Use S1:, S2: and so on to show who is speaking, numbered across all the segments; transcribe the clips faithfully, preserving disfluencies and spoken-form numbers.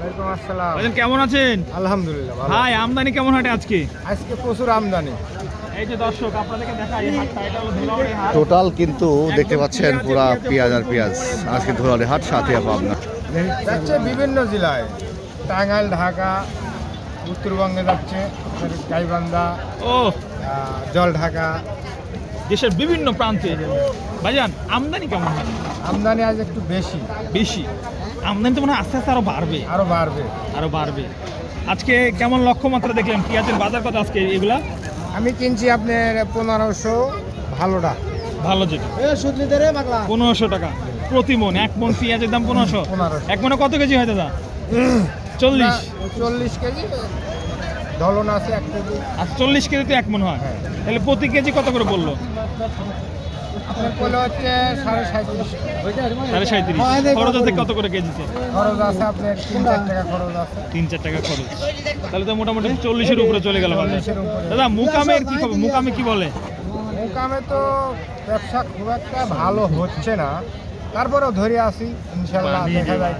S1: ওয়ালাইকুম আসসালাম।
S2: ভাইজান কেমন আছেন?
S1: আলহামদুলিল্লাহ ভালো।
S2: ভাই আমদানি কেমন হাটে আজকে?
S1: আজকে প্রচুর আমদানি।
S2: এই যে দর্শক আপনাদেরকে দেখাই এই হাটটা, এটা হলো ধুলাউড়ি হাট।
S3: টোটাল কিন্তু দেখতে পাচ্ছেন পুরা পেঁয়াজ আর পেঁয়াজ আজকে ধুলাউড়ি হাট সাথে পাবনা।
S1: যাচ্ছে বিভিন্ন জেলায়, টাঙ্গাইল, ঢাকা, উত্তরবঙ্গে যাচ্ছে গাইবান্ধা,
S2: ও
S1: আহ, জলঢাকা।
S2: দেশের বিভিন্ন প্রান্তে। ভাইজান আমদানি কেমন হয়?
S1: আমদানি আজ একটু বেশি,
S2: বেশি আমদানি তো মনে হয় আস্তে আস্তে আরো বাড়বে,
S1: আরো বাড়বে।
S2: আরো বাড়বে। আজকে কেমন লক্ষ্যমাত্রা দেখলেন পেঁয়াজের বাজার কত আজকে এগুলা?
S1: আমি কিনছি আপনার পনেরোশো ভালোটা।
S2: ভালো যেটা পনেরোশো টাকা প্রতি মন। এক মন পেঁয়াজের দাম পনেরোশো।
S1: পনেরোশো।
S2: এক মনে কত কেজি হয় দাদা? চল্লিশ।
S1: চল্লিশ কেজি ধলন আছে এক কেজি।
S2: আর চল্লিশ কেজি তো এক মন হয়,
S1: হ্যাঁ।
S2: তাহলে প্রতি কেজি কত করে বললো?
S1: আপনার পড়লো হচ্ছে সাড়ে সাঁত্রিশ।
S2: সাড়ে সাঁত্রিশ। খরচ আছে কত করে কেজিতে?
S1: খরচ আছে আপনার তিন চার টাকা খরচ আছে।
S2: তিন চার টাকা খরচ, তাহলে তো মোটামুটি চল্লিশের উপরে চলে গেল বাজার।
S1: চল্লিশের উপরে।
S2: দাদা মুকামের কি খবর? মুকামে কি বলে?
S1: মুকামে তো ব্যবসা খুব একটা ভালো হচ্ছে না, তারপরেও ধরে আসি, ইনশাল্লাহ দেখা যায়।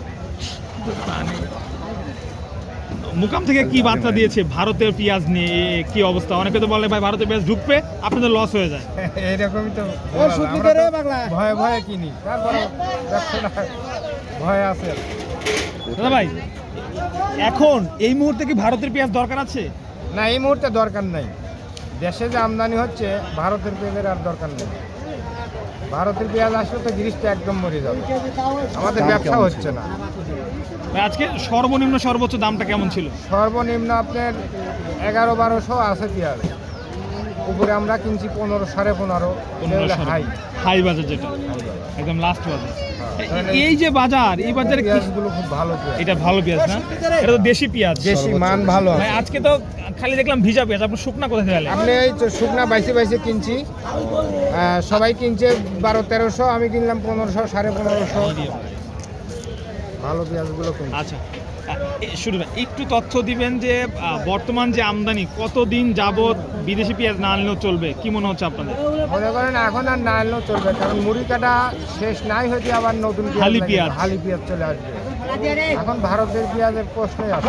S2: মুকাম থেকে কি বার্তা দিয়েছে ভারতের পেঁয়াজ নিয়ে? এ কি অবস্থা? অনেকে তো বলে ভাই ভারতের পেঁয়াজ ঢুকবে আপনাদের লস হয়ে যায়।
S1: এইরকমই তো আমরা তো ভয়ে ভয়ে কিনি, তারপরে ব্যবসাটা ভয় আছে।
S2: দাদা ভাই এখন এই মুহূর্তে কি ভারতের পেঁয়াজ দরকার আছে?
S1: না, এই মুহূর্তে দরকার নাই। দেশে যে আমদানি হচ্ছে ভারতের পেঁয়াজের আর দরকার নেই। ভারতের পেঁয়াজ আসলে তো গিরিশটা একদম মরে যাবে, আমাদের ব্যবসা হচ্ছে না।
S2: ভাই আজকে সর্বনিম্ন সর্বোচ্চ দামটা কেমন ছিল?
S1: সর্বনিম্ন আপনার এগারো বারোশো আছে পেঁয়াজ, উপরে আমরা কিনছি পনেরো সাড়ে পনেরো। হাই
S2: হাই বাজার যেটা একদম লাস্ট বাজার। এ- এই যে বাজার, এই বাজারে কি
S1: পেঁয়াজগুলো খুব ভালো পেঁয়াজ,
S2: এটা ভালো পেঁয়াজ না? এটা তো দেশি পেঁয়াজ।
S1: দেশি মান ভালো
S2: ভাই
S1: আছে।
S2: আজকে তো খালি দেখলাম ভিজা পেঁয়াজ, আপনি শুকনা কোথায় থেকে
S1: আপনি এই তো শুকনা বাইসে বাইসে কিনছি, আহ, সবাই কিনছে বারো তেরোশো, আমি কিনলাম পনেরোশো সাড়ে পনেরোশো। ভালো পেঁয়াজগুলো কিনছি।
S2: আচ্ছা এ, শুরু ভাই, একটু তথ্য দিবেন যে আহ, বর্তমান যে আমদানি কতদিন যাবত বিদেশি পেঁয়াজ না আনলেও চলবে, কি মনে হচ্ছে আপনাদের?
S1: মনে করেন এখন আর না আনলেও চলবে, কারণ মুড়ি কাটা শেষ নাই হয়েছে, আবার নতুন পেঁয়াজ
S2: হালি
S1: লাগে।
S2: পেঁয়াজ।
S1: হালি পেঁয়াজ চলে আসবে। এখন ভারতের পেঁয়াজের প্রশ্নই আছে,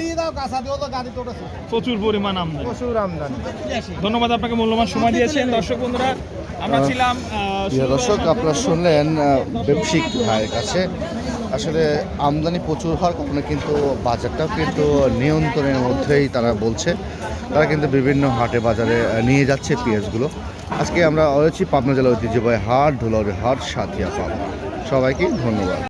S2: প্রচুর পরিমাণ আমদানি।
S1: প্রচুর আমদানি।
S2: ধন্যবাদ আপনাকে, মূল্যবান সময় দিয়েছেন। দর্শক বন্ধুরা আমরা ছিলাম আহ,
S3: প্রিয় দর্শক, আপনারা শুনলেন আহ, ব্যবসায়িক ভাইয়ের কাছে আসলে আমদানি প্রচুর হওয়ার কারণে কিন্তু বাজারটাও কিন্তু নিয়ন্ত্রণের মধ্যেই তারা বলছে। তারা কিন্তু বিভিন্ন হাটে বাজারে আহ, নিয়ে যাচ্ছে পেঁয়াজগুলো। আজকে আমরা রয়েছি পাবনা জেলার ঐতিহ্যবাহী হাট, ধুলাউড়ি হাট, সাথিয়া পাবনা। সবাইকে ধন্যবাদ।